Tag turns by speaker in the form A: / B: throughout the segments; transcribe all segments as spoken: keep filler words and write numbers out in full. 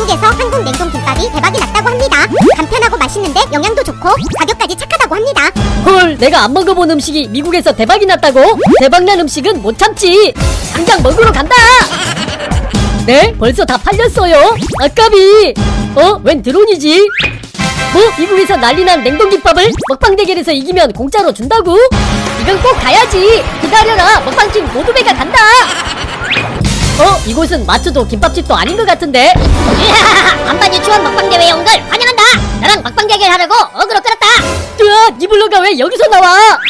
A: 미국에서 한국 냉동김밥이 대박이 났다고 합니다. 간편하고 맛있는데 영양도 좋고 가격까지 착하다고 합니다.
B: 헐, 내가 안 먹어본 음식이 미국에서 대박이 났다고? 대박난 음식은 못 참지. 당장 먹으러 간다. 네? 벌써 다 팔렸어요? 아까비. 어? 웬 드론이지? 뭐? 미국에서 난리난 냉동김밥을 먹방 대결에서 이기면 공짜로 준다고? 이건 꼭 가야지. 기다려라. 먹방팀 모두배가 간다. 어? 이곳은 마트도 김밥집도 아닌 것 같은데?
C: 이야, 반반 유치원 먹방 대회에 온 걸 환영한다. 나랑 먹방 대결 하려고 어그로 끌었다.
B: 으아, 니블러가 왜 여기서 나와?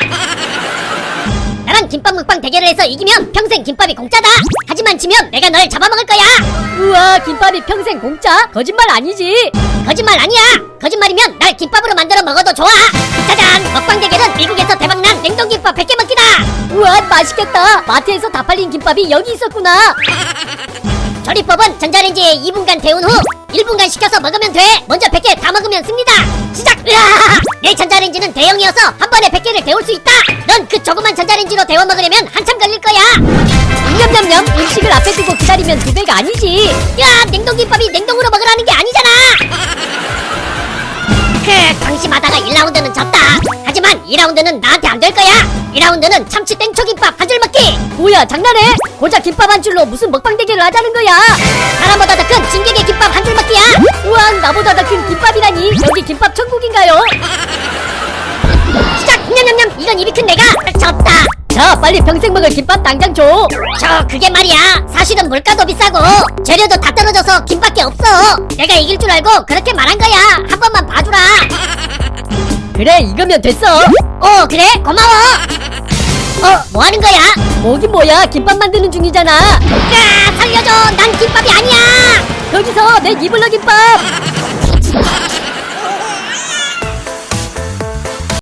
C: 나랑 김밥 먹방 대결을 해서 이기면 평생 김밥이 공짜다. 하지만 지면 내가 널 잡아먹을 거야.
B: 우와, 김밥이 평생 공짜? 거짓말 아니지?
C: 거짓말 아니야. 거짓말이면 날 김밥으로 만들어 먹어도 좋아. 짜잔, 먹방 대결은 미국에서 대박난 냉동김밥 백 개 먹기다.
B: 우와, 맛있겠다. 마트에서 다 팔린 김밥이 여기 있었구나.
C: 조리법은 전자레인지에 이 분간 데운 후 일 분간 식혀서 먹으면 돼. 먼저 백 개 다 먹으면 승리다. 시작! 으아! 내 전자레인지는 대형이어서 한 번에 백 개를 데울 수 있다. 넌 그 조그만 전자레인지로 데워 먹으려면 한참 걸릴 거야.
B: 냠냠냠. 음식을 앞에 두고 기다리면 두 배가 아니지.
C: 야, 냉동김밥이 냉동으로 먹으라는 게 아니잖아. 크, 방심하다가 일 라운드는 졌다. 하지만 이 라운드는 나한테 안 될 거야. 이 라운드는 참치 땡초김밥 한 줄 먹기.
B: 뭐야, 장난해? 고작 김밥 한 줄로 무슨 먹방 대결을 하자는 거야?
C: 사람보다 더 큰 진격의 김밥 한 줄 먹기야.
B: 우와, 나보다 더 큰 김밥이라니. 여기 김밥 천국인가요?
C: 시작! 냠냠냠! 이건 입이 큰 내가 졌다.
B: 자, 빨리 평생 먹을 김밥 당장 줘.
C: 저 그게 말이야. 사실은 물가도 비싸고 재료도 다 떨어져서 김밖에 없어. 내가 이길 줄 알고 그렇게 말한 거야. 한 번만 봐주라.
B: 그래, 이거면 됐어.
C: 어, 그래? 고마워. 어, 뭐 하는 거야?
B: 뭐긴 뭐야, 김밥 만드는 중이잖아.
C: 야, 살려줘. 난 김밥이 아니야.
B: 거기서 내 니블러 김밥.